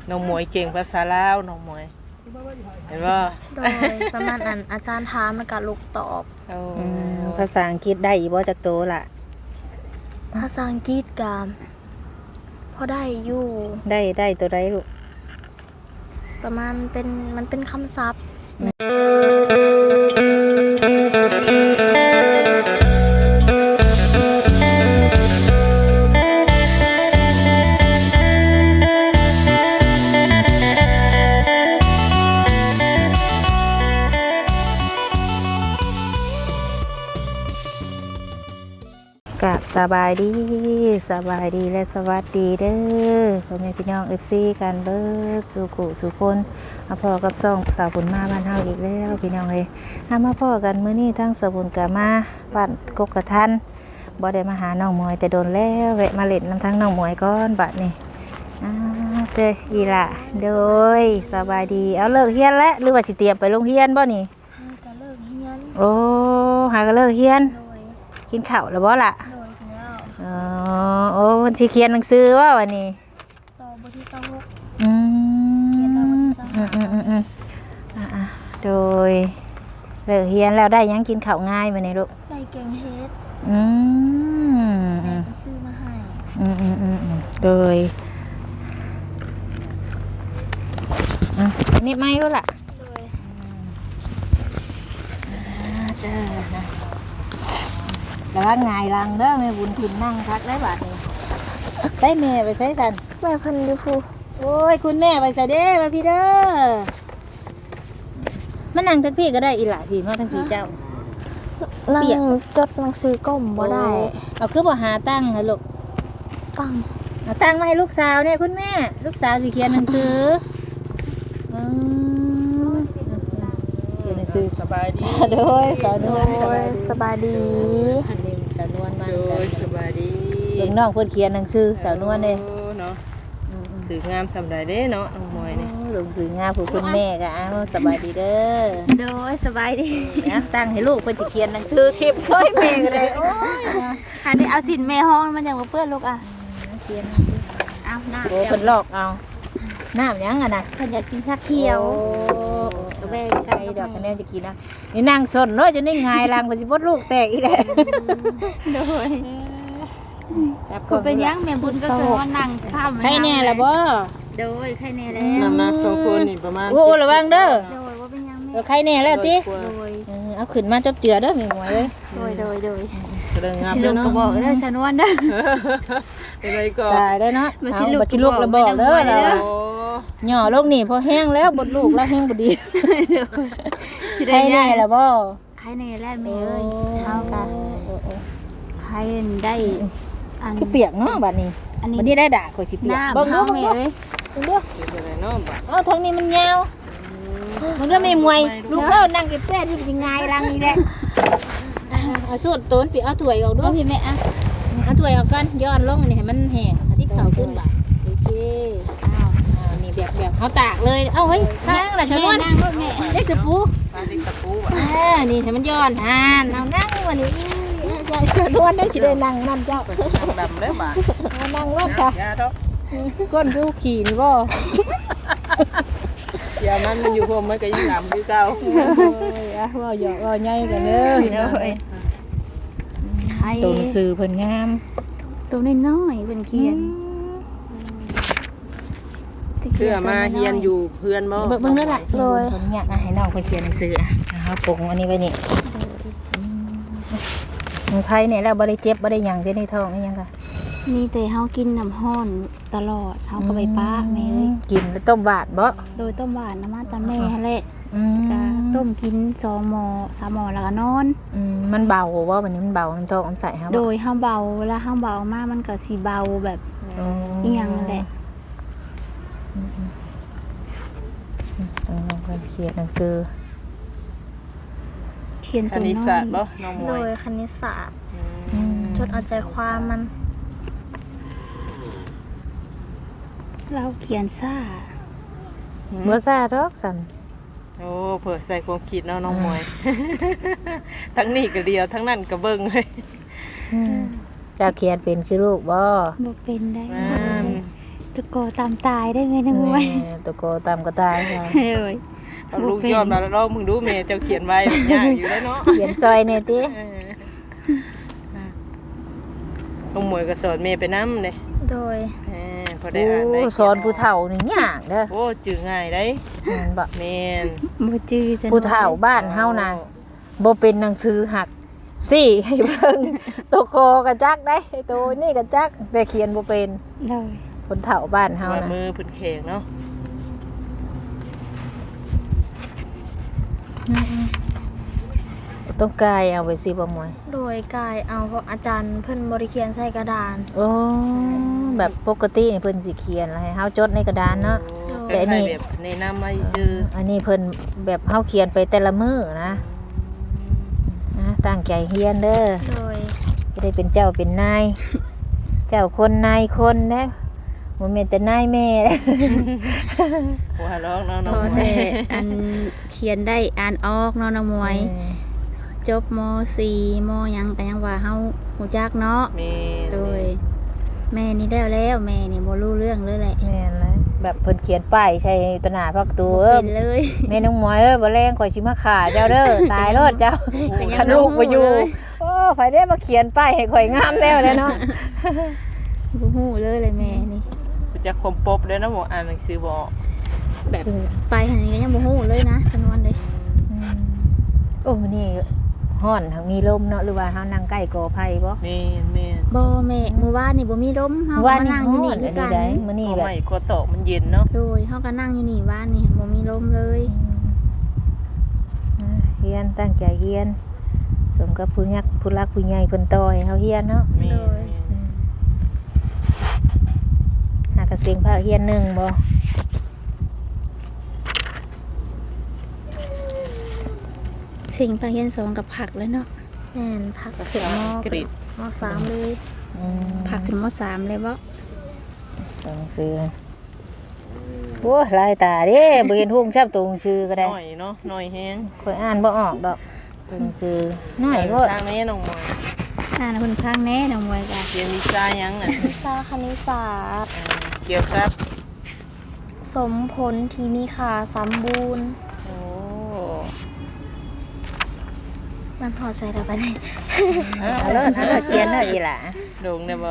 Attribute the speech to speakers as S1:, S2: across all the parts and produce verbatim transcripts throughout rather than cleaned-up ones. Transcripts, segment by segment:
S1: น้องมวยเก่งภาษาลาวน้องมวยเห็นบ่
S2: โดยประมาณนั้นอาจารย์ถามแล้วก็ลูกตอบ
S1: โอ้
S3: อืมภาษาอังกฤษได้อีบ่จักโตล่ะ
S2: ภาษาอังกฤษก็พอได้อยู่
S3: ได้ได้ตัวใดลูก
S2: ประมาณเป็นมันเป็นคำศัพท์
S3: กับสบายดีสบายดีและสวัสดีเด้อพ่อแม่พี่น้อง เอฟ ซี กันเบิดสู่กุสู่คนมาพ่อกับซ่องสาวบุญมาบ้านเฮาอีกแล้วพี่น้องเอ้ยถ้ามาพ่อกันมื้อนี้ทั้งสาวบุญก็มาบ้านกกกระทันบ่ได้มาหาน้องหมวยแต่โดนแล้วแวะมาเล่นน้ำทั้งน้องหมวยก่อนบัดนี้อ้าวเด้ออีหล่ะโดยสบายดีเอาเลิกเรียนแล้วหรือว่าสิเตรียมไปโรงเรียนบ่นี่
S2: ก็เลิกเรียน
S3: โอ้หาก็เลิกเรียน
S2: โดย
S3: กินข้าวแล้วบ่ล่ะ
S2: โดยถึงแล้ว
S3: อ๋อโอ้วันที่เขียนหนังสือว่าวันนี้
S2: ต่อบทที่สอง
S3: อืม
S2: เขียนแล้ววันที่สอง
S3: อืมอืมอืมอืมอ่าโดยเลิกเรียนแล้วได้หยังกินข้าวง่ายมาเนี่ยลูก
S2: ได้แกงเฮ็ด
S3: อืม
S2: แม่
S3: อืม
S2: ไปซื้อมาให้
S3: อืมอืมอืมอืมโดยอ่ะนี่ไม่รู้ล่ะ
S2: โดย
S3: เด้อนะแล้วว่าไงลังเด้อแม่บุญถิ่นนั่งพักได้บาทนี้ได้แม่ไปใส่สัน
S2: แม่เพันดูครู
S3: โอ้ยคุณแม่ไปใส่เด้มาพี่เด้อมานั่งทั้งพี่ก็ได้อีหล่ะพี่มาทั้งพี่เจ้า
S2: นั่ง
S3: เปียก
S2: จดหนังสือก้มบ่ได้
S3: โอ้เอาคือบ่หาตั้งให้ลูก
S2: ตั้ง
S3: เอาตั้งมาให้ลูกสาวเนี่ยคุณแม่ลูกสาวสิเขียนหนังสืออืมเขียนหนังสือ
S1: สบายดี
S3: โดยสาวนวล
S2: โดยสบายดี
S3: อันนี้สาวนวลมา
S1: โดยสบายดี
S3: เด็กน้องเพิ่นเขียนหนังสือสาวนวลเด้
S1: โอ้เนาะสื่องามสำใดเด้เนาะน้องมวยนี่
S3: ลงสืองามผู้คุณแม่ก็อ้าวสบายดีเด้อ
S2: โดยสบายดี
S3: นะตั้งให้ลูกเพิ่นสิเขียนหนังสือทิพย์ช่วยแม่ก็ได้โอ้ยนะ
S2: อันนี้เอาสินแม่ห้องมันยังบ่เปื้อนลูกอ่ะ
S3: เขียน
S2: เอาหน้า
S3: โอ้เพิ่นลอกเอาน้ำหยังอ่ะนะ
S2: เพิ่นอยากกินชาเขียว
S3: กระแบงไก่ดอกคะแนนจะกินนะนี่นั่งสนเนาะจะได้งายรังไปสิบดลูกแตกอีกแล้ว
S2: โดย
S3: จับ
S2: คุณเป็นยังแม่บุญก็คือว่านั่งข้าม
S3: ใครแน่ล่ะบ่
S2: โดยใครแน่แล้ว
S1: น้ำหนักสองคนนี่ประมาณ
S3: โอ้ระวังเด้อ
S2: โดยว่าเป็นยัง
S3: เอ
S2: แม่
S3: อใครแน่แล้วติ
S1: โด
S2: โดย
S3: เออเอาขึ้นมาจับเจือเด้อแม่หมวยเอ้ย
S2: โดยโดยโดย
S1: แสดงงาม
S2: สิ
S1: เล
S2: ลู
S1: ย
S2: ก
S1: เนาะ
S2: ก็บอกเด้อชนวนเด้อ
S1: เป็นไรก่อ
S3: ตายได้เนาะ
S2: มา
S3: เอา
S2: สิลูก
S3: บัดสิลูกระบอกเด้อ
S2: บอก
S3: เรา
S2: เด้อ
S1: โอ้
S3: หย่อลูกนี่พอแห้งแล้วบดลูกแล้วแห้งบ่ดี
S2: สิ
S3: ใคร
S2: ได้
S3: แน่ล่ะบ่
S2: ใครแน่แล้วแม่เอ้ยเท่ากัน
S3: โอ้โอ้
S2: ใครได้อัน
S3: คือเปียกเนาะบัดนี้
S2: อันนี้
S3: บัดนี้ได้ด่าข่อยสิเปียก
S2: น้ำ
S3: เบิ่งดู
S2: เฮา
S3: เบิ่ง
S2: แม่
S3: ดู
S2: เอ้ย
S3: เบิ่งดู
S1: เป็นไรเนาะบัด
S3: เอาทางนี้มันยาวมันก็ไม่มวยลูกเล่านั่งกับแป้ที่เป็นไงรังนี่แหละเอาสูตรต้นปีเอาถ้วยออกด้ว
S2: เอา
S3: ย
S2: พี่แม่อ่ะ
S3: เอาถ้วยออกกันย้อนลงนี่ให้มันแห้งเอาที่เข่าขึ้นบ่าโอเคอ้าวอ้าวนี่แบบแบบเขาตากเลยเอ้าเฮ้ยข้างละชนวน
S2: นั่งรถแม่
S3: เด็กกระปู
S1: ปลาดิบตะปูอ่ะ
S3: อ่านี่ให้มันย้อนอ่านเอานั่งวันนี้ยายชนวนได้จะได้นั่งนั่นเจ้า
S1: เป็นดำเลยบาด
S3: เอานั่งรถจ้ะ
S1: ยาดอก
S3: ก้นดูขี่นี่บ่
S1: ยามันมันอยู่พวกมันก็ยังดำคือเก่า
S3: โอ้ยอ่ะว่าหยอกว่าใหญ่กันเด้อ
S2: เด้อเอ้ยใคร
S3: ตัวหนังสือเพิ่นงาม
S2: ตัวน้อยๆเป็นเขียน
S1: เสื้อมาเฮียนอยู่เพื่อนบ่
S3: เบิ่งเบิ่งนั่นแหละเลยผมอยากให้น้องไปเขียนหนังสืออ่ะนะครับปงอันนี้ไว้นี่มือไพ่เนี่ยแล้วบ่ได้เจ็บบ่ได้หยังที่ในท้องนี่ยังค่ะ
S2: มีแต่เฮากินน้ำห้อนตลอดเฮาก็ไปป้าแม่เอ้ย
S3: กินแล้วต้มบาดบ่
S2: โดยต้มหวานน้ำมันตาแม่หั่นแหละ
S3: อืม
S2: ก็ต้มกินสองหม้อสามหม้อแล้วก็นอน
S3: อืมมันเบาบ่วันนี้มันเบาน้ำท้องน้ำใสครับ
S2: โดยเฮาเบาเวลาเฮาเบามากมันก็สิเบาแบบอีหยังนั่นแหละ
S3: ต้องลองไปเขียนหนังสือ
S2: เขียน
S1: ค
S2: ตัว
S1: ณิต
S2: น้อ
S1: ศาสตร์บ่
S2: ย
S1: น้องม
S2: โด
S1: วย
S2: ยคณิตศาสตร์
S1: อืม
S2: จดเอาใจความมัน เราเขียนซ่า
S3: บ่ซ่าดอกสั่น
S1: โอ้เผื่อใส่ความคิดเนาะน้องมวย ทั้งนี้ก็เดียวทั้งนั้นก็เบิ่งเลย
S3: เจ้าเขียนเป็นคือลูกบ่
S2: บ่เป็นได้
S1: แม่น
S2: ตะโกตามตายได้ไหมน้องมวย
S3: แม่ตะโกตามก็ตายค่ะ
S2: เลย
S1: เอาลูกยอมแล้วแล้วมึงดูแม่เจ้าเขียนไว้ยากอยู่แล้วเนาะ
S3: เขียนซอยแน่ติ
S1: เออน้องหมวยก็สอนแม่ไปนำเด้
S2: โดย
S1: เออพอได้
S3: โอ้
S1: อ่านได้
S3: สอนผู้เฒ่านี่ยากเด้อ
S1: โอ้จื้อง่ายได้
S3: แม่นบ่
S1: แม่น
S2: บ่จื้อจัง
S3: ผู้เฒ่าบ้านเฮานะบ่เป็นหนังสือหักสี่ให้เบิ่ง ตัวโกก็จักได้ตัวนี่ก็จักแต่เขียนบ่เป็น
S2: เลย
S3: คนเฒ่าบ้านเฮา
S1: ว่า
S3: นะ
S1: มือเพิ่นแข็งเนาะ
S3: ต้องกายเอาไว้สิบ่หมวย
S4: โดยกายเอาเพราะอาจารย์เพิ่นบริเคียนใส่กระดาน
S3: โอ้แบบปกตินี่เพิ่นสิเขียนแล้วให้เฮาจดในกระดานเนาะ แต่
S1: แต่
S3: อันนี้
S1: นี่แบบในะนำมาซื่อ
S3: อันนี้เพิ่นแบบเฮาเขียนไปแต่ละมื้อนะนะตั้งใจเรียนเด้อ
S4: โดย
S3: จะได้เป็นเจ้าเป็นนาย เจ้าคนนายคนนะบ่แม่นแต่นายแม่ เด้อ
S1: หัวร้องเนาะน้
S2: พ
S1: อง
S2: อ
S1: หมว
S2: แต่
S1: ย
S2: อันเขียนได้อ่านออกเนาะน้องมวย จบม สี่มหยังก็ยังว่าเฮาฮู้จักเนาะ
S1: แม่น
S2: โดย แม่นี่ได้แล้วแม่นี่บ่รู้เรื่องเลยแหละ
S3: แม่นเลยแบบเพิ่นเขียนป้ายใส่ตวหน้าพักตู
S2: บ่
S3: เอ้อ
S2: เป็นเลย
S3: แม่น้องหมวยเอ้ยบ่แรงข่อยสิมาฆ่าเจ้าเด้อ ตายรอดเจ้า
S2: ก็ยัง
S3: คันลูกบ่อยู่
S2: บ่รู้เลย
S3: โอ้ข่อยได้มาเขียนป้ายให้ข่อยงามแล้วแหละเนาะ
S2: บ่ฮู้เลยเลยแม่นี่
S1: รู้จักความปบเด้อนะบ่อ่านหนังสือบ่ออก
S2: แบบไปหันนี้ก็ยังบ่ฮู้เลยนะชนวนเลย
S3: อืมโอ้มื้อนี้ฮ้อนทั้งมีลมเนาะหรือว่าเฮานั่งใกล้กอไผ่บ่
S1: แม่นแม่น
S2: บ่แม่มื้อวานนี่บ่มีลมเฮาก็
S3: ว่า
S2: มา
S3: นี่
S2: นั่งอ
S3: ฮ้
S2: ยู่
S3: อ
S2: นี่
S3: น
S2: คื
S3: อั
S2: อน กั
S3: นี้
S2: น
S3: ได้มื้อนี้
S1: ก็
S3: แบบ
S1: ไม่ก็โตะมันเย็นเนาะ
S2: โดยเฮาก็นั่งอยู่นี่บ้านนี่บ่มีลมเลย
S3: อ่าเฮียนตั้งใจเฮียนสมกับผู้ยักผู้รักผู้ใหญ่เพิ่นต่อให้เฮาเฮียนเนาะ
S1: แม่นแม่น
S3: หากระเสียงภาคเฮียนหนึ่งบ่
S2: สิ่งภาคเรียนสองกับผักเลยเนาะ
S4: แม่นพัก
S1: ภา
S4: ถึง
S1: ษาม
S4: อ
S1: อังกฤษ
S4: มอสามเลย
S3: อืม
S2: ผักขึ้นมสามเลยบ่
S3: ตัวหนังสือโอ้ลายตาเด้บ่เห็นหุ่งชับตัวหนังสือก็ได้
S1: น้อยเนาะน้อยแฮง
S3: ข่อยอ่านบ่ออกดอกตัวหนังสือน้อยโพด
S1: ทางนี้น้องหมวย
S2: อ่านเพิ่นพังแน่น้องมวยก็
S1: เรียนวิชาหยังอ่ะ
S4: วิชาคณิตศาสตร์
S1: เออเกี่ยวกับ
S4: สมผลที่มีค่าสมบูรณ์
S1: โอ้
S4: มันพอใช้ได้ปะเนี่ย
S3: เอาเลิศเอาเลิศเขียนเด้ออีหล่ะ
S1: โด่งได้บ่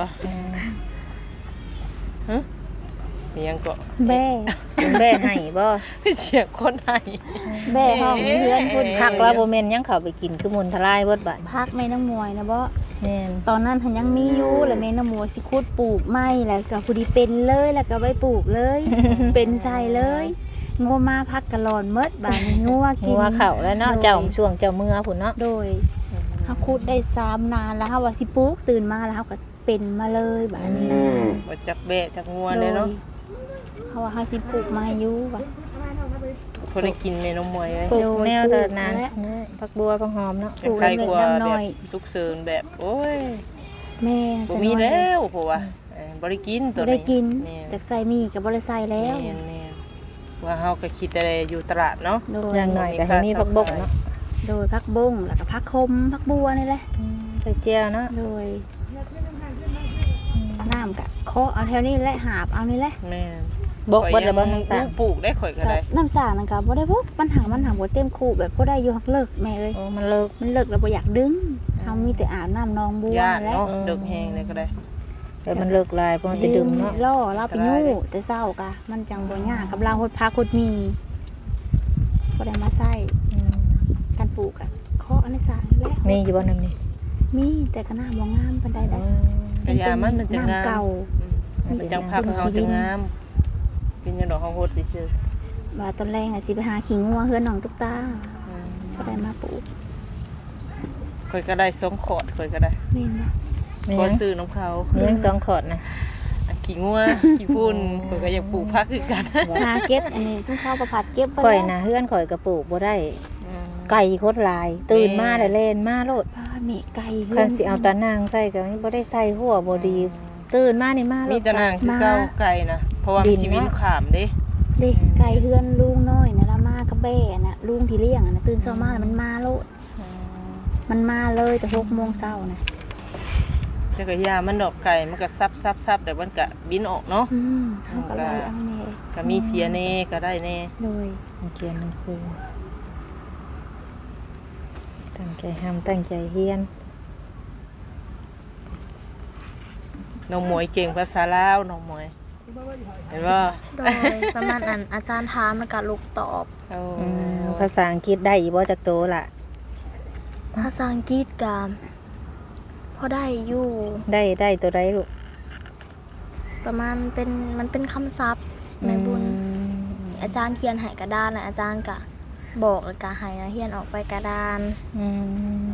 S1: ฮะมีหยังก็
S2: แบ่
S3: เป็นแบ่ให้บ่
S1: เสียงคนให้
S2: แบ่ห้องเพื่อนพุ่น
S3: พักแล้วบ่แม่นยังเข้าไปกินคือมุนทลายเบิดบัด
S2: พักแม่น้องมวยนะบ่
S3: แม่น
S2: ตอนนั้นหันยังมีอยู่แล้วแม่น้องมวยสิขุดปลูกไม้แล้วก็ผู้ดีเป็นเลยแล้วก็ไว้ปลูกเลย เป็นใส่เลยงัวมาพักกะหลอนเมดบาดนี้งัวกิน
S3: งัวเข้าแล้วเนาะเจ้าช่วงเจ้ามือพุ่นเนาะ
S2: โดยเฮาขุดได้สามนานแล้วเฮาว่าสิปลูกตื่นมาแล้วเฮาก็เป็นมาเลยบาดนี้นะ
S1: บ่จักแบะจักงัว
S2: โด
S1: เลย
S2: ย
S1: เนาะ
S2: เฮาว่าเฮาสิปลูกมาอยู่ว่า
S1: พอได้กินเมนูมวยเลย
S3: ปลูกแนวเดินนาน
S2: ปลูกแล้ว
S3: เนี่ยผักบัวผักหอมเนาะ
S2: ปลูก
S1: ใครกลัว
S2: เล็กๆ
S1: แบ
S2: น้
S1: บ
S2: อย
S1: สุกเสริญแบบ โอ้ย
S2: แม่
S1: บ่มีแล้วเพราะว่าเอ้ยบ่ได้กินตัว
S2: บ่ได้กิน
S1: แม่น
S2: แต่ใส่มีก็บ่ได้ใส่แล้ว
S1: แม่นแม่นว่าเฮาก็คิดแต่อยู่ตลาดเนาะ
S2: โดย
S3: อย่างหน่อยก็ให้มีผักบกเนาะ
S2: โดยพักบงแล้วก็พักคมพักบัวนี่แหละ
S3: ใส่เจียวเนาะ
S2: โดยน้ำกะเคาะเอาแถวนี้แหละหาบเอานี่แหละ
S1: แม่น
S3: บกเบิดแล้วบ่
S1: ข่อยยั
S3: ทั้งสาม
S1: ปลูกได้ข่อยก็
S2: ก็
S1: ได้
S2: น้ำสางนั่นก็บ่ได้พวกปัญหามันหาบ่เต็มคูแบบบ่ได้อยู่ฮักเลิกแม่เอ้ย
S3: โอ้มันเลิก
S2: มันเลิกแล้วบ่อยากดึงเฮามีแต่อาบน้ำนองบัว
S1: ย่าน
S2: แหละ
S1: เนาะเดึกแฮงเลยก็ได้
S3: แต่มันเลิกลายเพราะมันจะดึงเนาะ
S2: ล่อเราไปยู่แต่เช้ากะมันจังบ่ยากกับเราหดพาคดมีบ่ได้มาใส่การปลูกอะเคาะอันนี้สางนี่แหละ
S3: มีอยู่บ่นำนี่
S2: มีแต่ก็น่าบ่งามปานใดได้
S1: กระยามันมันจะงาม
S2: น้ำเก่า
S1: อืมเป็นจังพักเฮาจะงามเป็นจังดอกเฮาโฮดซื่อ
S2: ว่าตอนแรกอะสิไปหาขิงงัวเฮือนน้องตุ๊กตา
S1: ๆอืม
S2: ก็ได้มาปลูก
S1: ข่อยก็ได้สองขอดข่อยก็ได้
S2: แม่นบ่
S3: มี
S1: ก็
S3: ยัง
S1: ซื้อน้ำเขา
S3: มียังสองขอดนะ
S1: อ่ะขี้งัวขี้พุ่นข่อยก็อยากปลูกผักคือกัน
S2: หาเก็บอันนี้ซุ่มข้าวประผัดเก็บไว้
S3: ข่อย
S2: แล้ว
S3: นะเฮือนข่อยกระปลูกบ่ได้
S1: อืม
S3: ไก่โคตรลาย ตื่นมาได้เล่นมาโลด
S2: ป้ามีไก่เฮื
S3: คันสิเอาตานางใส่ก็บ่ได้ใส่หัวบ่ดี ตื่นมานี่มาโล
S1: มี
S3: ด
S1: แตะนางคือเก่าไก่นะเพราะว่ามีชีวิตขามเด้
S2: เด็กไก่เฮือนลุงน้อยนะละมากับแบ่น่ะลุงที่เลี้ยงอะนะตื่นเช้ามาแล้วมันมาโลดมันมาเลยแต่หกโมงเช้านะ
S1: แต่แต่ก็ยามันดอกไก่มันก็ซับๆๆแต่มันก็บินออกเนาะ
S2: อืมเขาก็เลยเอาแน่
S1: ก็มีเสียแน่ก็ได้แน่
S2: โดย
S3: เขียนหนังสือตั้งใจทำตั้งใจเรียน
S1: น้องหมวยเก่งภาษาลาวน้องหมวยเห็นบ่
S4: โดยประมาณนั้นอาจารย์ถามมันก็ลูกตอบ
S1: โอ้
S3: อืมภาษาอังกฤษได้อีบ่จักโตล่ะ
S4: ภาษาอังกฤษก็พอได้อยู่
S3: ได้ได้ตัวใดลูก
S4: ประมาณเป็นมันเป็นคำศัพท์แม่บุญ
S3: อืม
S4: อาจารย์เขียนให้กระดานน่ะอาจารย์ก็บอกแล้วก็ให้นักเรียนออกไปกระดาน
S3: อืม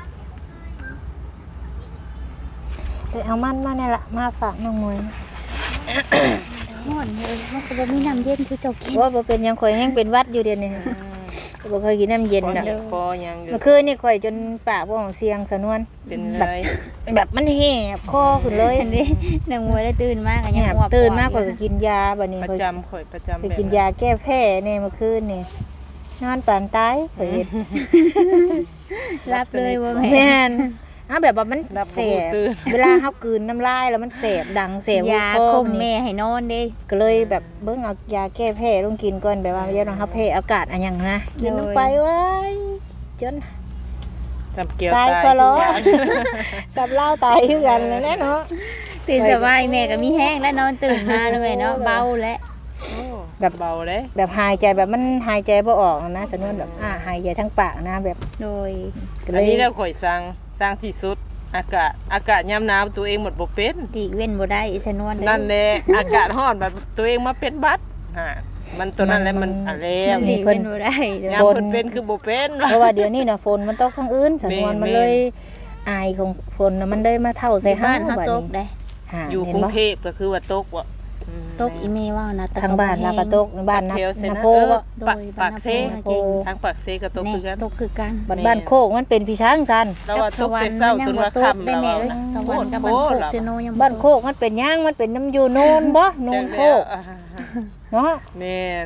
S3: ไปเอามันมาเนี่ยละมาฝากน้องมวย
S2: ม่อนเลยมันก็บ่มีน้ำเย็นคือเจ้ากิน
S3: ว่าบ่เป็นหยังข่อยแห้งเป็นหวัดอยู่เดี๋ยวนี้ก็บ่เคยกินน้ำเย็น
S1: คอ
S3: ดอก
S1: ยังคอยังอยู่
S3: เมื่อคืนนี่ข่อยจนปากบ่ของเสียงสะนวน
S1: เป็นไร
S3: แบบมันแหบคอขึ้นเลย
S2: อันนี้นางมวยได้ตื่นมากก็
S3: แห
S2: ยัง
S3: บ
S2: หัว
S3: ตื่นมา
S2: ป
S3: ข่
S2: อ
S3: อย
S2: ด
S3: ก็กินยาบัดนี้
S1: ประ
S3: ข่อย
S1: จำข่อยประจำ
S3: ไปกินยาแก้แพ้เนี่ยเมื่อคืนนี่นอนปานตายข่อยเฮ็ด
S2: รับเลยว่าแม่
S3: แม่นอ้าแบบว่ามัน
S1: รับ
S3: แส
S1: บ่
S3: บ
S1: ตื่น
S3: เวลาเฮากลืนน้ำลายแล้วมันแสบดังแสบ
S2: ยา
S3: คอ
S2: คม
S3: นี่
S2: แม่ให้นอนเด้
S3: ก็เลยแบบเบิ่งเอายาแก้แพ้ลงกินก่อนแบบว่าอย่าต้องเฮาแพ้อากาศอันหยังนะกินลงไปเว้ยจน
S1: ทำเกี่ยว
S3: ตาย
S1: ตาย
S3: ก็ร้อ
S1: ทุกอย่าง
S3: สับเหล้าตายคือกันนั่นแหละเนาะ
S2: ตื่นสบายแม่ก็มีแห้งแล้วนอนตื่นมาแล้วแม่เนาะเบาแล้ว
S1: โอ้
S3: แบบ
S1: เบาเลย
S3: แบบหายใจแบบมันหายใจบ่ออกนะสนวนแบบอ่าหายใจทั้งปากนะแบบ
S2: โดย
S3: ก็เล
S1: อัน
S3: ย
S1: นี้แล้วข่อยสร้างสร้างที่สุดอากาศอากาศยามหนาวตัวเองหมดบ่เป็น
S2: ตีเว้นบ่ได้อีสนวนเด้อ
S1: นั่นแหละอากาศร้อนแบบตัวเองมาเป็นบัดฮะมันตัวนั้นแหละมันอะไร
S2: ตีเว้นบ่ได้เด้อย
S1: ามเพิ่นเป็นคือบ่เป็น
S3: เพราะว่าเดี๋ยวนี้น่ะฝนมันตกทางอื่นสนวน
S1: แม่น
S3: มันเลยอายของฝนน่ะมันเลยมาเท่าใส่
S2: บ้า
S3: ห้าน
S2: เฮา
S3: บัด
S2: ตก
S3: นี้
S2: ได้
S3: หา
S1: อยู่
S3: เห็
S1: ก
S3: น
S1: รุง
S3: บ่
S1: เทพก็คือว่าตกว่ะอืม
S2: ตกอีเมว่านะ
S3: ทางบ้านลากระตกบ้านนับ
S1: แถวเซ
S3: นา
S1: นะ
S3: โพ
S1: เออ
S3: บ่
S1: ปากปากเซ
S2: เก่ง
S1: ทางปากเซก็ตกคือกัน
S2: ตกคือกัน
S3: บ้านบ้านโคกมันเป็นพี่ช้างซัน
S1: แล้วว่าตกแต่เช้าจนว่าค่ำ
S2: ได้
S1: แล้ว
S2: แม่
S1: ว่า
S2: เอ้ย
S1: นะ
S2: สวรรค์กับบ้านโคกเซโนยัง
S3: บ้านโคกมันเป็นหย่างมันเป็นน้ำอยู่โนนบ่โนนโคก
S1: อ่า
S3: เนาะ
S1: แม่น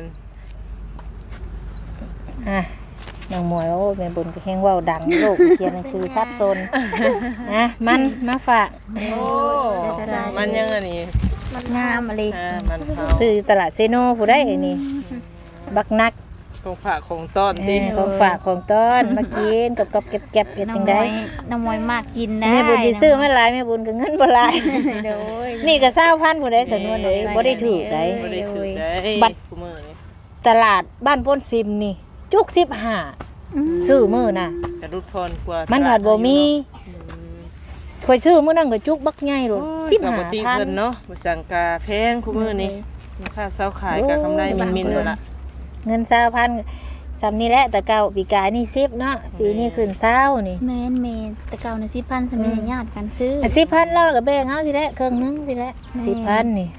S3: อ่ะนางหมวยโอ้แม่บุญก็แฮงเว้าดังโลกเขียนหนังสือซับซ้อนนะมันมาฝาก
S1: โอ้มันยังอันนี้
S2: งามอะไร
S1: อ่ามันเผา
S3: ซื้อตลาดเซโนผู้ได้อันนี้บักนัก
S1: ของฝากของต้อน
S3: เอ
S1: ติ
S3: อของฝากของต้อนมากินกับกับเก็บๆเก็บ
S2: น้อ
S3: จั
S2: ง
S3: ง
S2: ม
S3: ได๋
S2: วยน้องมวยมากกินนะ
S3: แม่บุญสิซื้อมาหลายแม่บุญก็เงินบ่หลาย
S2: โดย
S3: นี่ก็เก้าพันผู้ใดสนวนเลยบ่ได้ถูกได้
S1: บ่ได้ถือได้
S3: บัตร
S1: คู่มือนี่
S3: ตลาดบ้านพ้นซิมนี่ จุกสิบห้า
S2: อืม
S3: ซื้อมื้อน่ะ
S1: กระดุดพรกว่า
S3: มั
S1: มัน
S3: ผัดบ่มีข่อยซื้อมื้อนั้นก็จุกบักใหญ่โลดสิบ
S1: ป
S3: ห้าก
S1: ติ
S3: พัน
S1: เพิ่นเนาะบ่สั่งกาแพงคู่มือนี่ค่าเซาขายกับกำไรมินๆนั่นล่ะ
S3: เงินเก้าพันซ้ำนี่แหละแต่เก่าปีกายนี่สิบเนาะปีนี้ขึ้นเก้านี่
S2: แม่นแม่แต่เก่าน่ะสิพันสมัยญาติกันซื้อ
S3: สิบพันเราก็แบ่งเอาสิแหละครึ่งหนึงสิแหละ
S2: แม่
S3: สิบพันนี่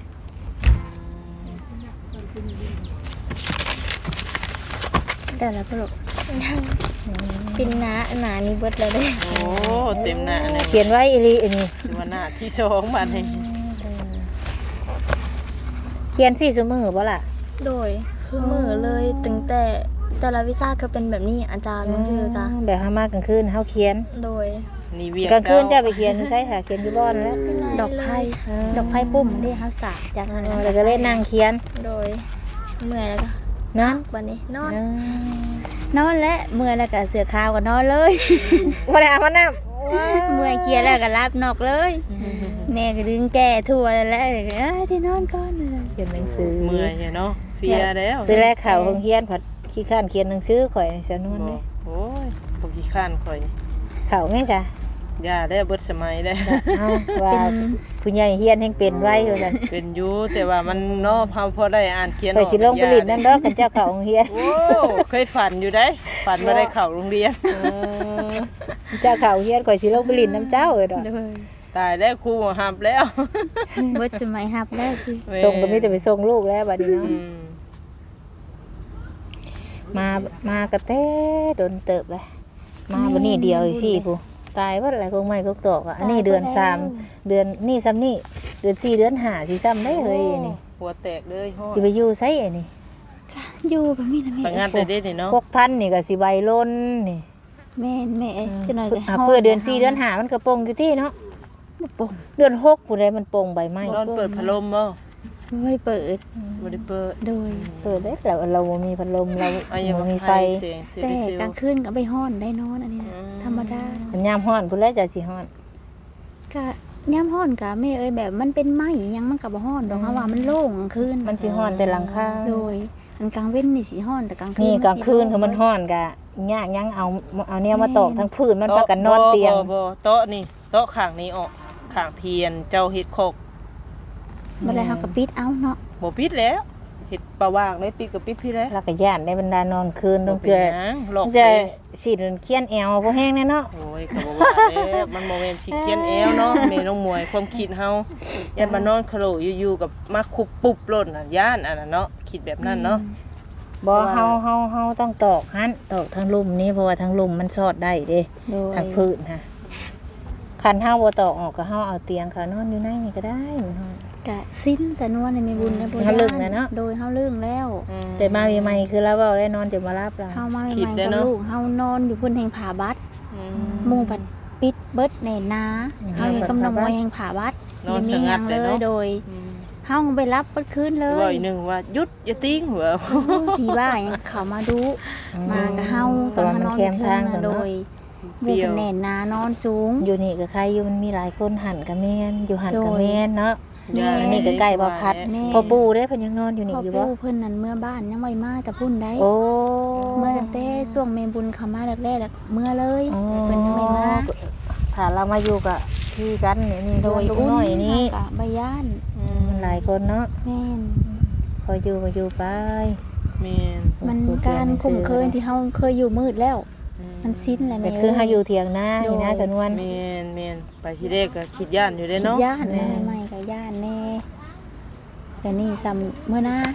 S2: ได้แล้วพ่อลูก
S4: เป็นหนาหนานี่เบิดแล้วเด้
S1: โอ้เต็มหน้าเลย
S3: เขียนไว้อีหลีอันนี้
S1: ถือว่าหน้าที่สองบัดนี้
S3: เขียนสี่สมือบ่ล่ะ
S4: โดยคือมือเลยตั้งแต่แต่ละวิชาก็เป็นแบบนี้อาจารย์มันคือกะ
S3: แบบเฮามากลางคืนเฮาเขียน
S4: โดย
S1: นี่เวียง
S3: กลางคืนจะไปเขียนอยู่ไสค่ะเขียนอยู่บ้านแล้ว
S2: ดอกไผ่ดอกไผ่ปุ่มนี่เฮาสากจากนั้น
S3: เออแล้วก็เล่นนั่งเขียน
S4: โดยเมื่อยแล้วก็
S3: เนาะ
S4: วันนี้นอน
S3: เออน
S2: อนและเมื่อยแล้วก็เสือขาวก็นอนเลย
S3: บ่ได้อาบน้ำ
S2: เมื่อยเคลียร์แล้วก็รับนอกเลย แม่ก็ดึงแก่ทั่วแล้วแหละเอ้ยสินอนก่อน
S3: เขียนหนังสือ
S1: เมื่อยเนาะเพลียแล้ว
S3: ซื้อแรกข่าวของเขียนผัดขี้ข้านเขียนหนังสือข่อยสนวน
S1: บ
S3: เล
S1: อย กโอ้ยพวกขี้ข้านข่อยนี่
S3: ข่าวไงจ้ะ
S1: ยาได้เบิดสมัยได้
S3: เอาว่าผู้ใหญ่เฮียนแห่งเป็นไว้คือกัน
S1: เป็นอยู่แต่ว่ามันเนาะพอพอได้อ่านเขียน
S3: ข่อยสิลงผลิตนั่นเด้อกันเจ้าข่าวของเฮียน
S1: โอ้เคยฝันอยู่ได้ ฝันมาได้เข้าโรงเรียน
S3: เจ้าข่าวเฮียนข่อยสิลงผลิตน้ำเจ้าเอ้ยดอก
S2: เลย
S1: ตายแล้วครูหับแล้ว
S2: เบิดสมัยฮับแล้วคือ
S3: ส่งก็มีแต่ไปส่งลูกแล้วบัดนี้เนาะ
S1: อืม
S3: มามากระเต้โดนเติบเลยมาวันนี้เดียวอีกสิผู้ตายว่าอะไรคงไม่ก็ตอกอ่ะอันนี้เดือนสามเดือนนี่ซ้ำนี่เดือนสี่เดือนห้าสิซ้ำได้เฮ้ยนี่
S1: หัวแตกเลยโห
S3: สิไปอยู่ไสไอ้นี่
S2: อยู่แบบนี้นะแม่
S1: สังงัดได้เด้นี่เนาะ
S3: พวกท่านนี่ก็สิใบล้นนี่
S2: แม่นแม่จะหน่อยก็
S3: อ่ะเพื่อเดือนสี่เดือนห้ามันกระโปรงอยู่ที่เนาะ
S2: บ่โป่ง
S3: เดือนหกผู้ใดมันโป่งใบไม้
S1: นอนเปิดพัดลมบ่
S2: ไม่เปิด
S1: บ่ได้เปิด
S2: โดย
S3: เปิดได้แล้วเราบ่มีพัดลมเรา
S1: อ่ะยัง
S3: บ่
S1: บ่
S3: มี
S1: มี
S3: ไฟ
S1: ไฟเสียงเสีย
S2: แต่
S1: ดิเซล
S2: กลางคืนก็ไปฮ้อนได้นอนอันนี้นะ
S1: อืม
S2: ธรรมดา
S3: มันยามร้อนพุ่นแล้วจะสิร้อน
S2: ก็ย่ำฮ้อนก็แม่เอ้ยแบบมันเป็นไม้อิหยังมันก็บ่ฮ้อนดอกเพราะว่ามันโล่งกลางคืน
S3: มันสิร้อนแต่หลังคา
S2: โดยอันกลางเว้นนี่สิฮ้อนแต่กลางคืน
S3: นี่
S2: มัสิ
S3: กลางคืนคือมัน
S2: โล่ง
S3: ร้อนกะยากยังเอาเอาแนวมาตอกทั้งพื้นมันพากันนอนเตียง
S1: บ่บ่บ่โต๊ะนี่โต๊ะข้างนี้ออกข้างเทียนเจ้าเฮ็ดโคก
S2: บ่ได้เฮาก็ปิดเอาเนาะ
S1: บ่ปิดแล้วเฮ็ดประว่างได้ปิดก็ปิดพี่แล้ว
S3: แล้วก็ย่านได้บรรดานอนคืนต้อง
S1: บ่
S3: เกือ
S1: ป็นหยังหลอก
S3: จะ
S1: ไป
S3: ฉีดเคียนแอวบ่แห้งแน่เนาะ
S1: โอ้ยก็บ่ว่าแล้วมันบ่แม่นสิเขียนแอวเนาะแม่น้องมวยความคิดเฮาย่านมานอนคโลอยู่ๆกับมาคุบปุ๊บโล่นน่ะย่านอันนั้นเนาะคิดแบบนั้นเนาะ
S3: บ่เฮาเฮาเฮาต้องตอกหันตอกทางลุ่มนี้เพราะว่าทางลุ่มมันสอดได้เด้
S2: โดย
S3: ทางพื้นค่ะคันเฮาบ่ตอกออกก็เฮาเอาเตียงเขานอนอยู่ในนี่ก็ได้มันฮ้อน
S2: ก็สิ้นสะนวนในแม่บุญในบ่
S3: เฮาลึกแล้วเนาะ
S2: โดยเฮาลึกแล้ว
S1: อืม
S3: แต่มาใหม่ๆคือเราเว้าได้นอนจะมารับเรา
S2: เฮามา
S1: คิด
S2: ใหม่ๆ
S1: ได้
S2: กับ
S1: เนาะ
S2: ลูกเฮานอนอยู่พุ่นแห่งผาบัด
S1: อื
S2: หมู่บัดปิดเบิดแน่นาเฮาอยู่กำลังมวยแห่งผาบัด
S1: นอน
S2: มี
S1: ส
S2: ห
S1: งั
S2: ยั
S1: ด
S2: ง
S1: เล
S2: เลย ย
S1: เนาะ
S2: โดย
S1: อืม
S2: เฮาไปรับเบิดคืนเล
S1: ว่าย อีกหนึงว่าหยุดอย่าติ้งเหรอ
S2: โอ้ยพี่บ้ายังเข้ามาดูมากับเฮา
S3: เพราะว่ามันแคมทาง
S2: กั
S3: กัน น
S2: โด
S3: เนาะ
S2: ยหมู่เพิ่นแน่นานอนสูง
S3: อยู่นี่ก็ใครอยู่มันมีหลายคนหันกับแม่นอยู่หันกับ
S2: โดย
S3: แม่นเนาะ
S2: แม่
S3: อันนี้ก็ใกล้บ่พัด
S2: แม่
S3: พ่อปู่เด้เพิ่นยังนอนอยู่นี่
S2: พ่อ
S3: อยู่บ่
S2: ปู่เพิ่นนั่นเมื่อบ้านยังไม่มาแต่พุ่นได้
S3: โอ้
S2: เมื่อตั้งแต่ช่วงเมบุญเข้ามาแรกๆแล้วเมื่อเลย
S3: อ๋อ
S2: เพิ่นยังไม่มา
S3: ถ้าเรามาอยู่กับพี่กันนี่นี่
S2: โดย
S3: ลูกน้อยนี่
S2: กะใบย่าน
S1: อืม
S3: มันหลายคนเนาะ
S2: แม่น
S3: พออยู่ก็อยู่ไป
S1: แม่น
S2: มันการคุ้มเคยที่เฮาเคยอยู่มืดแล้ว มันสิ้นแล้ว
S3: เป็
S2: แม่
S3: นคือเฮาอยู่เถียงนานี่นะ
S2: โดย
S3: สนวน
S1: แม่นแม่นไปที่แรกก็คิดย่านอยู่เด้
S2: คิด
S1: เนาะ
S2: ย่าน
S3: แม่
S2: แม่ใหม่ก็ย่านแน่แต่นี่ซ้ำเมื่อหน้า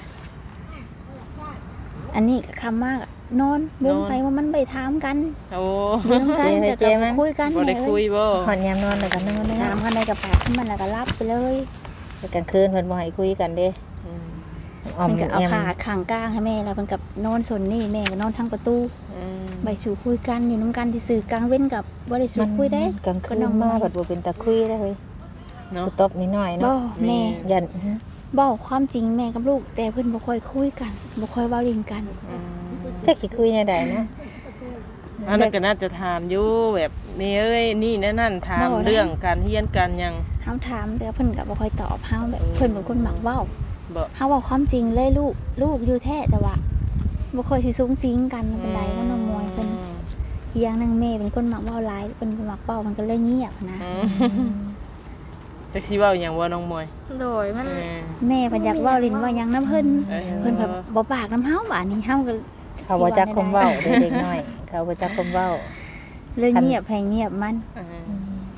S2: อันนี้ก็คำมากอะนอนบุ้งไปว่ามันไปถามกัน
S1: โอ้
S2: อยู่นำกันแต่ก็บ่คุยกัน
S1: บ่ได้
S2: แม่
S1: คุ
S2: เอ้
S1: ย
S2: ย
S1: บ่
S3: หอนยามนอนแล้วก็นอน
S2: ถาม
S3: นะ
S2: กันได้กับปากขึ้นมันแล้วก็รับไปเลย
S3: แต่กลางคืนเพิ่นบ่ให้คุยกันเด้
S1: อืม
S3: ออม
S2: มันก็เอา
S3: แอม
S2: ขาข้างกลางให้แม่แล้วมันกับนอนส่วนนี่แม่ก็นอนทางประตู
S1: อืม
S2: ใบสู่คุยกันอยู่น้ำกันที่สื่อกลางเว้นกับบ่ได้สู่คุยได้
S3: กลางคืนมาบัดบ่เป็นตาคุยได้เฮ้ย
S1: เนาะ
S3: กูตบนิดหน่อย
S2: บ่
S3: เนาะ
S2: แม่
S3: ยัน
S2: บอกความจริงแม่กับลูก แต่เพิ่นบ่ค่อยคุยกันบ่ค่อยเว้าเรื่องกัน
S1: อืม
S3: จักสิคุยแนวใดนะ
S1: อันนั้นก็น่าจะถามอยู่แบบแม่เอ้ยนี่นั่นนั่นถามเรื่องการเฮียนกันหยัง
S2: เฮาถามแต่เพิ่นก็บ่ค่อยตอบเฮาแบบเพิ่นเป็นคนมักเว้า
S1: บ่
S2: เฮาเว้าความจริงเลยลูกลูกอยู่แท้แต่ว่าบ่ค่อยสิสูงสิงกันปานใดก็น้องมวยเพิ่นอีกอย่างหนึงแม่เป็นคนมักเว้าหลายเป็นคนมักเว้ามันก็เลยเงียบนะ
S1: อืมจักสิเว้าหยังว่าน้องมวย
S4: โดยมัน
S1: เออ
S2: แม่เพิ่นอยากเว้าลิ้นเว่าหยังนํเพิ่น
S1: เออ
S2: เพิ่นแบบบ่ปากน้ำเฮาบาดนี้เฮาก็
S3: เขาบ่จักคมเว้าเด้เด็กน้อย เขาบ่จักคมเว้า
S2: เลยเงียบให้เงียบมัน
S1: เออ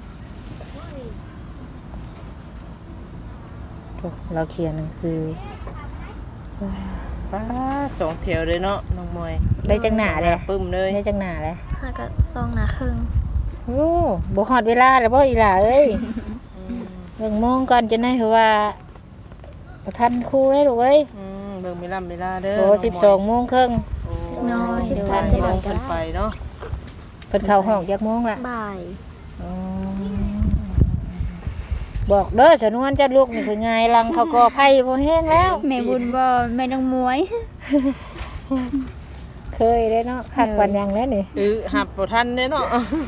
S3: โถ่เราเขียนหนังสือ
S1: ป้าสองแถวเลยเนาะน้องมวย
S3: ได้จังหน้าเลย
S1: ปึ้มเลย
S3: ได้จังหน้าเลย
S4: ห้ากับซองหนาครึ่ง
S3: โอ้บ่ฮอดเวลาแล้วบ่อีหล่าเอ้ย
S1: อืม
S3: เบิ่งโมงก่อนจะได้เพราะว่าบ่ทันครูได้ลูกเอ้ย
S1: อืมเบิ่งเวลาเวลาเด้อ
S3: โอ้
S1: น้
S3: สิบ
S1: มวย
S3: สองโมงครึ่ง
S1: โอ้
S2: น้อย
S1: สิบ
S2: เดี๋ยว
S1: สาม
S2: จะ
S1: โม
S2: ได้
S1: ง
S2: ก็
S1: ขึ้น
S2: ได้
S1: ไปเนาะ
S3: เพิ่นเข้าห้องจักโมงล่ะ
S4: บ่าย
S3: อ๋อบอกเด้อสนวนจะลูกนี่คือไงลังเขาก็ไผบ่แห้งแล้ว
S2: แม่บุญบ่แม่นางมวย
S3: เคยได้เนาะคักปันยังแล้วนี่
S1: เออหับบ่ทันเด้เนาะ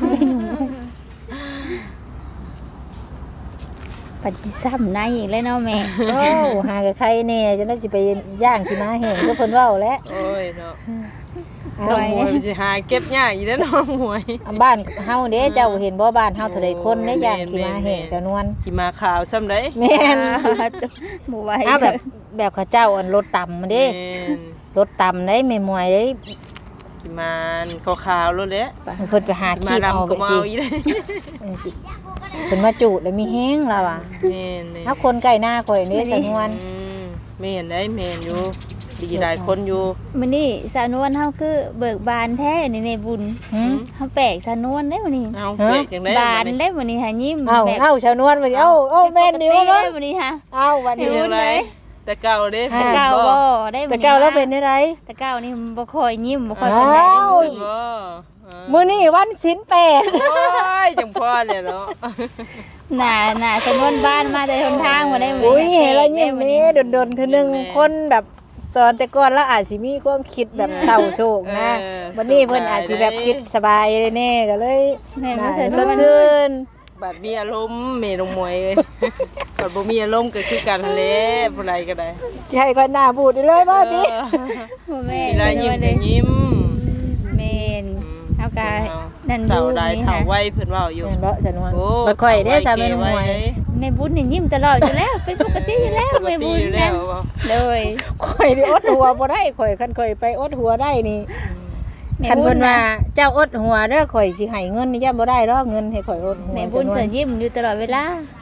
S2: ปัจจิซ้ำในอีกแล้วเนาะแม่
S3: โอ้หากับใครแน่จะได้สิไปย่างขี้ม้าแห้งก็เพิ่นเว้าแล้ว
S1: โอ้ยเนาะ
S3: เอา
S1: น้องมวยสิหาเก็บยากอีกแล้วน้องมวย
S3: บ้านเฮาเด้เจ้าเห็นบ่บ้านเฮาเท่าใดคนได้ย่างขี้ม้าแห้งจำนวน
S1: ขี่มาขาวซ้ำได้
S3: แม่น
S2: บ่ไหว
S3: อ้าวแบบแบบเขาเจ้าอันรถต่ำมาเด้
S1: แม่น
S3: รถต่ำได้แม่มวยได้
S1: ขี่มาขาวๆรถเด้
S3: เพิ่นไปหา
S1: ขี่
S3: ขี้
S1: มา
S3: เอา
S1: ดำ
S3: ไป
S1: ก็มา
S3: สิ
S1: เอาอีกได้
S3: เออสิเพิ่นมาจูดแล้วมีแห้งแล้วอ่ะ
S1: แม่นแม่น
S3: ถ้าคนใกล้หน้าข่อยนี่จำนวน
S1: อืมแม่นได้แม่นอยู่ดีหลายคนอยู่
S2: มื้อนี้สาวนวลเฮาคือเบิกบานแท้นี่แม่บุญ
S3: หืม
S2: เฮาแปลกสาวนวลได้มื้อนี้
S1: เอา
S3: ฮะ
S1: เบรกจังได้
S2: บาน
S1: บัดนี้
S2: ได้มื้อนี้หายิ้ม
S3: เอ้า
S2: แบบ
S3: เอ้าชาวนวลมาดิเอ้าเอ้าแม่นนี่
S2: ปก
S3: ว่า
S2: ได้มื้อนี้ฮะ
S3: เอ้าวันนี้
S2: เห็
S1: เป็น
S2: น
S1: ไร
S2: ไหม
S1: แต่เก่าเด้
S3: อ่า
S2: แต่เก่าบ่ได้มื้
S3: แต่
S2: อนี้
S3: เก่าแล้วเป็นได้ไร
S2: แต่เก่านี่บ่ค่อยยิ้มบ่ค่อยปานใดได้
S3: อ้าว
S2: มื้อนี้
S1: บ่อ่า
S3: มื้อนี้วันศีลแปด
S1: โอ้ยจังพ่อเลยเนาะ
S2: หน้าหน้าสนวนบ้านมาแต่หนทางบ่ได้
S3: อุ้ยเห็นแล้วยิ้มนี้ดนๆเทื่อนึงคนแบบตอนแต่ก่อนแล้วอาจสิมีความคิดแบบเศร้าโศกนะวันนี้เพิ่นอาจสิแบบคิดสบายเลยแน่ก็เลย
S2: แม่
S3: น่า
S2: บ่
S3: ส
S2: ส
S3: ด
S2: นวน
S3: ชื่น
S1: บัดมีอารมณ์เมนองมวยเอ้ยบัดบ่มีอารมณ์ก็คือกันแหละผู้ใดก็ได้
S3: สิให้คนหน้าบูดเลยบ่ติ
S2: บ่แม่
S1: เวลายิ้มก็ยิ้ม
S2: แม่นเฮาก็นั่น
S1: เสา
S2: ดู
S1: ได้
S2: นี่
S1: เฒ่า
S2: ค่ะ
S1: ไว้เพิ่นเว้าอยู่
S3: เห็นบ่สนวน
S1: โอ้
S3: บ่ค่อยได้สามีหวย
S2: แม่บุญนี่ยิ้มตลอดอยู่แล้วเป็นปกติอยู่แล้ว
S1: ปก
S2: แม่
S1: ติ
S2: บุญ
S1: อยู่แล้ว
S2: โดย
S3: ข่อยนี่อดหัวบ่ได้ข่อยคันข่อยไปอดหัวได้นี่
S2: แม่
S3: คัน
S2: บุ
S3: เพิ่
S2: ญ
S3: น
S2: ว่า
S3: ว่าเจ้าอดหัวเด้อข่อยสิให้เงินนี่ย่าบ่ได้ดอกเงินให้ข่อยอดหัว
S2: แม่บุญ
S3: สนว
S2: เสิ
S3: น
S2: ยิ้มอยู่ตลอดเวลา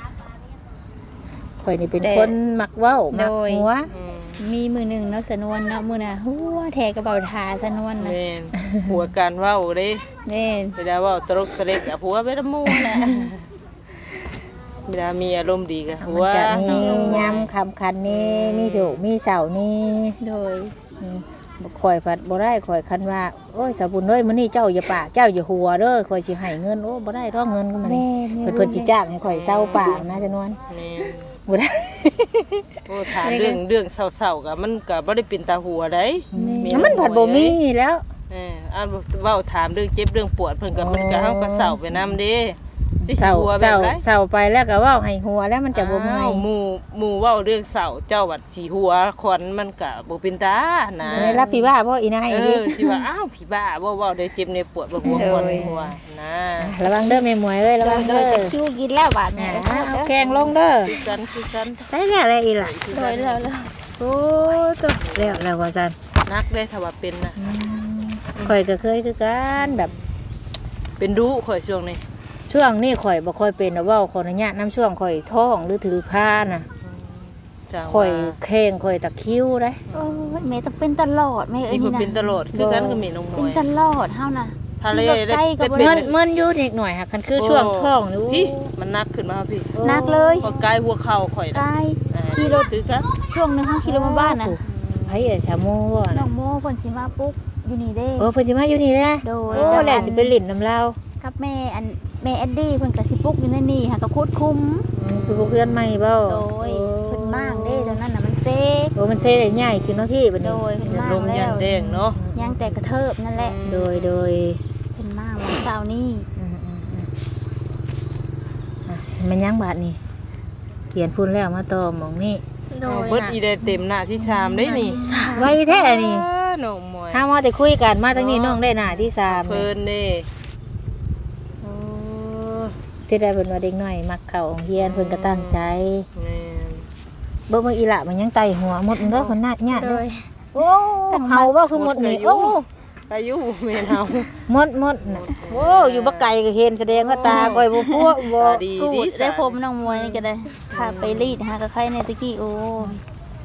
S3: ข่อยนี่เป็น
S2: แต่
S3: คนมักเว้ามัก
S2: โดย
S3: หัว
S1: อืม
S2: มีมือหนึ่งเนาะสนวนเนาะมือน่ะหัวแทกระเป๋าทาสนวนน่ะ
S1: แม่นหัวการเว้าเด้
S2: แม่น
S1: เวลาเว้าตลกตะเล็กอะผัวไปละหมู่แหละเวลามีอารมณ์ดีก็หั
S3: มัน
S1: ว
S3: จะมียามคำคันนี้มีโศกมีเศร้านี่
S2: โดย
S3: อืมบ่ข่อยผัดบ่ได้ข่อยคันว่าโอ้ยสาวบุญเอ้ยมื้อนี้เจ้าอย่าปากเจ้าอย่าหัวเด้อข่อยสิให้เงินโอ้บ่ได้ดอกเงินก็มัน
S2: แม่
S3: เพิ่นเพิ่นสิจ้างให้ข่อยเศร้าปากนะจำนวน
S1: แม่น
S3: บ่ได้
S1: โอ้ถามเรื่องเรื่องเศร้าๆก็มันก็บ่ได้เป็นตาหัวได้
S3: มันผัดบ่มีแล้ว
S1: เอออ่านเว้าถามเรื่องเจ็บเรื่องปวดเพิ่นก็มันก็เฮาก็เศร้าไปนํเด้ที่
S3: เศร้า
S1: หัวแบ
S3: เศร้า
S1: บไร
S3: เศร้าไปแล้วก็เว้าให้หัวแล้วมันจะบ่เมื่อย
S1: อ้าวหมู่หมู่เว้าเรื่องเศร้าเจ้าวัดสีหัวควันมันก็บ่เป็นตานะ
S3: ได้รับพี่ว่าบ่อีนาย
S1: เอ
S3: นี่
S1: อสิว่าอ้าวผีบ้าบ่เว้าได้เจ็บในปวดบ่หัวควันหัวนะ
S3: ระวังเด้อแม่หมวยเอ้ยระวัง
S2: โด
S3: เด้
S2: ย
S3: อ
S2: จะคิวกินแล้วบาด
S3: อ่า
S2: แม่
S3: เอาแกงลงเด้อ
S1: คือกันคือกัน
S3: ได้แล้วอะไรอีล่ะ
S2: โดยแล้วแล้ว
S3: โอ้ตัวแล้วแล้วว่าซั่น
S1: นักได้ถ้าว่าเป็นน่ะ
S3: ข่อยก็เคยคือกันแบบ
S1: เป็นดุข่อยช่วงนี้
S3: ช่วงนี้ข่อยบ่ค่อยเป็นนะเว้าขออนุญาตน้ำช่วงข่อยท้องหรือถือผ้าน่ะ
S1: จัง
S3: ข่อย
S1: ว่า
S3: แข้งข่อยตะคริวได้
S2: โอ้ยแม่ต้องเป็นตลอดแม่เอ้ย
S1: ที่
S2: นี่
S1: มัน
S2: นะ
S1: เป็นตลอดคือกันก็มีน้องม
S2: เป็น
S1: วย
S2: ตลอดเฮาน่ะ
S1: ทะเล
S2: ขี่รถใกล้ก็บ่
S1: เป็
S2: ได้
S3: มันมันอยู่นิดหน่อยค่ะคันคือช่วงท้องนี่
S1: พี่มันนักขึ้นมาพี่
S2: นักเลย
S1: พอใกล้หัวเข่าข่อย
S2: ใก
S1: น่ะ
S2: ล้
S1: อ่า
S2: ขี่รถ
S1: คือกัน
S2: ช่วงหนึงเฮาขี่รถมาบ้านน่ะ
S3: ไผเอ๋ชาโมบ่
S2: น้
S3: น่ะ
S2: องโมเพิ่นสิมาปุ๊บอยู่นี่เด้
S3: โอ้เพิ่นสิมาอยู่นี่แหละ
S2: โดย
S3: โอ้แล้วสิไปลิ้นน้ำลาว
S2: กับแม่อันแม่แอดดี้เพิ่นก็สิปลุกอยู่ในนี่ค่ะก็คุดคุม
S3: อืมคือบ่เพื่อนใหม่บ่
S2: โดยเพิ่นมากเด้ตอนนั้นน่ะมันเซก
S3: โอ้มันเซ่ได้ใหญ่ขึ้นเนาะพี่บัด
S2: โด
S3: นี้
S2: ยเพิ่นมาก
S1: ลม
S2: แล้
S1: ยัน
S2: ว
S1: แดงเนาะ
S2: ยังแต่กระเทิบนั่นแหละ
S3: โดยโดย
S2: เพิ่นมากวันเสาร์นี้
S3: อืมๆๆอ่ะมันยังบาดนี่เขียนพุ่นแล้วมาต่อหมองนี่
S2: โดย
S1: เบิดอีได้เต็มหน้าที่ชามได้นี่
S3: ไว้แท้นี่
S1: อ้าน้องมวย
S3: ถ้ามาแต่คุยกันมาตั้งนี้น้องได้หน้าที่สาม
S1: เพิ่นเด้โอ้
S3: สิได้เพิ่นว่าเด็กน้อยมักเข้าโรงเรียนเพิ่นก็ตั้งใจ
S1: แม่น
S3: เบิ่งว่าอีหละมันยังไตหัวหมดเด้อเพิ่นนาดญาติ
S2: โด
S3: เด้อย โอ้เฮาว่าคือหมดนี่โอ้
S1: อายุแม่นเฮา
S3: หมดหมดน่ะโอ้อยู่บ่ไกลก็เห็นแสดงว่าตาก้อยบ่พัวบ่
S1: ตาดี
S2: กู
S1: ดี
S2: ดได้ผมน้องมวยนี่ก็ได้ถ้าไปรีดหากับใครในตะกี้โอ้ย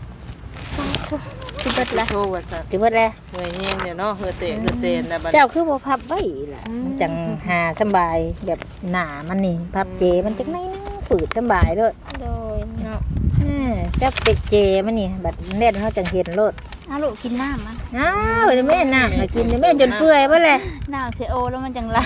S2: สิเบิดละ
S1: โชว์ว่าซั่น
S3: สิเบิดแล้ว
S1: หน่วยแฮงเนี่ยเนาะเฮือเตะเฮือเตนนะบัด
S3: เจ้าคือบ่พับไว้ล่ะมันจังหาสำบายแบบหน้ามันนี่พับเจมันจังได๋นึงปืดสำบายเด้อ
S2: โดยเนาะ
S3: เออจับเป็ดเจมันนี่บัดเน็ตเขาจังเห็นโลด
S2: อ้าวลูกกินน้ำอ่ะ
S3: อ้าวเดี๋ยวแม่น่ะมากินเดี๋ยวแม่จนเปื่อยเบ่แหละ
S2: น้ำเซโอแล้วมันจังลาย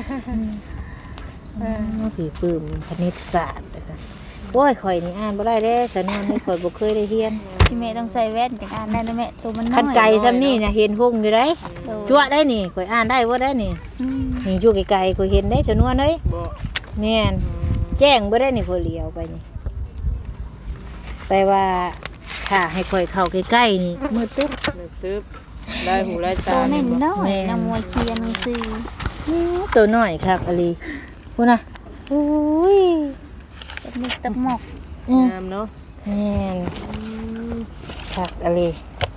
S3: ผีปื้มคณิตศาสตร์ไปซะโอ้ยข่อยนี่อ่านบ่ได้เด้สนวนนี่ข่อยบ่เคยได้เรียน
S2: พี่แม่ต้องใส่แว่นจังอ่านได้นะแม่ตัวมันน้อย
S3: คันไก่ซ้ำนี่น่ะเห็นพุ่งอยู่ได้
S2: โดย
S3: จั่วได้นี่ข่อยอ่านได้บ่ได้นี่
S2: อืม
S3: นี่อยู่ไกลๆข่อยเห็นได้สนวนเอ้ย
S1: บ่
S3: แม่นแจ้งบ่ได้นี่ข่อยเลี้ยวไปนี่ไปว่าถ้าให้ข่อยเข้าใกล้ๆนี่มืดตึ๊บ
S1: นึกตึ๊บได้หูได้ตา
S2: ตัวเน่น
S1: บ่
S2: น้อย
S3: แม่
S2: น้ำมวยเชียร์หนังสือ
S3: อื้อตัวน้อยครับอลีพูดนะอุ้ย
S2: ตบมิกตบหมอก
S3: อืม
S1: งามเนาะ
S3: แม่นครับอลี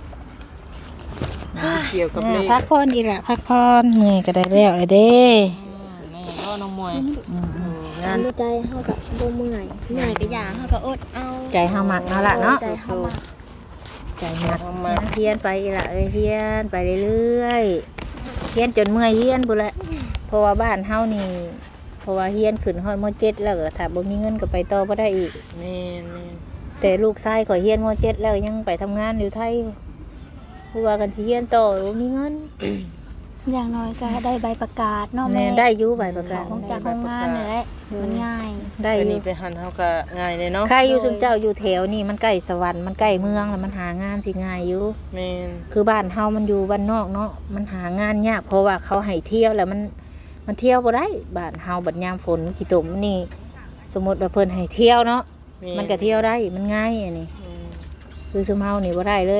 S1: เกี่ยวกับเลข
S3: พักผ่อนอีกละพักผ่อนเมื่อยก็ได้แล้วเลยเด้
S1: แม่ก็น้องมวย
S3: อืม
S1: งาน
S4: ใจเฮากับบ่เมื่อยเมื่อยก็อย่าเฮาก็อดเอา
S3: ใจเฮามักเอาละเนาะ
S4: ใจเฮามัก
S3: ใจมักนะเฮียนไปอีกละเอ้ยเฮียนไปเรื่อยๆเฮียนจนเมื่อยเฮียนพุ่นละเพราะว่าบ้านเฮานี่เพราะว่าเฮียนขึ้นฮอดมเจ็ดแล้วก็ถ้าบ่มีเงินก็ไปต่อบ่ได้อีก
S1: แม่นแม่น
S3: แต่ลูกชายข่อยเฮียนมเจ็ดแล้วยังไปทำงานอยู่ไทยผู้ว่ากันสิเฮียนต่อบ่มีเงิน
S2: อย่างน้อยก็ได้ใบประกาศเนาะ
S3: แม่
S2: แม่
S3: ได้อยู่ใบประกาศ
S2: ของจากโรงงานนี่แหละมันง่าย
S3: ได้
S1: อั
S3: อน
S1: นี้
S3: ยู่
S1: ไปหันเฮาก็ง่ายเลยเนาะ
S3: ใครอยู่ซุมเจ้าอยู่แถวนี่มันใกล้สวรรค์มันใกล้เมืองแล้วมันหางานสิง่ายอยู่
S1: แม่น
S3: คือบ้านเฮามันอยู่บ้านนอกเนาะมันหางานยากเพราะว่าเขาให้เที่ยวแล้วมันมันเที่ยวบ่ได้บ้านเฮาบัดยามฝนขี้ตมนี่สมมติว่าเพิ่นให้เที่ยวเนาะมันก็เที่ยวได้มันง่ายอันนี้
S1: อืม
S3: คือซุมเฮานี่บ่ได้เลย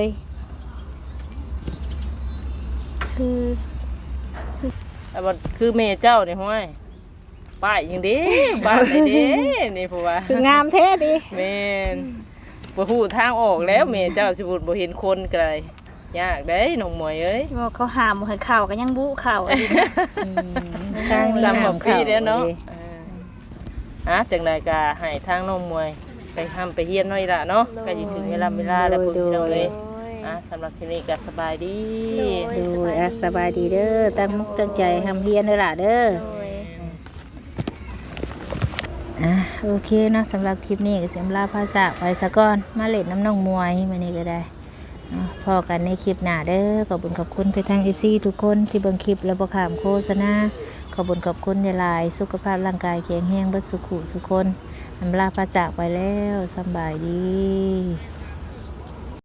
S2: คือ
S1: แต่ว่าคือแม่เจ้านี่ห้วยป้ายยังเด้บ้านได้เด้นี่ผู้ว่า
S3: คืองามแท้ดิ
S1: แม่นบ่ฮู้ทางออกแล้วแม่เจ้าสิบุดบ่เห็นคนไกลยากเด้น้องหมวยเอ้ย
S2: ว่าเขาหามบ่ให้เข้าก็ยังบุเข้าอีก
S3: อืมทางนี้
S1: ซ้ำ
S3: ห้า
S1: บ่
S3: ม
S1: ปี
S3: เข้า
S1: แล้วเนาะ
S3: ดิ
S1: อ่าอ่ะจังไดก็ให้ทางน้องหมวยไปทำไปเฮียนหน่อยล่ะเนาะก็สิถึงเวลาเวลาแล้วพุ่นพี่น้องเอ้ยอ่ะสำหรับทีนี้ก็สบายดี
S3: ดูอ่ะสบายดีเด้อตั้งมุกตั้งใจทำเฮียนเด้อล่ะเด้อ
S2: โดย
S3: อ่ะโอเคเนาะสำหรับคลิปนี้ก็เสียมลาพาจากไปซะก่อนมาเล่นน้ำน้องมวยมานี่ก็ได้อ่ะพอกันในคลิปหน้าเด้อขอบคุณขอบคุณไปทางเอฟซีทุกคนที่เบิ่งคลิปแล้วบ่ขามโฆษณาขอบคุณขอบคุณหลายๆสุขภาพร่างกายแข็งแรงเบิดสุขุสุขคนอำลาพาจากไปแล้วสำบายดี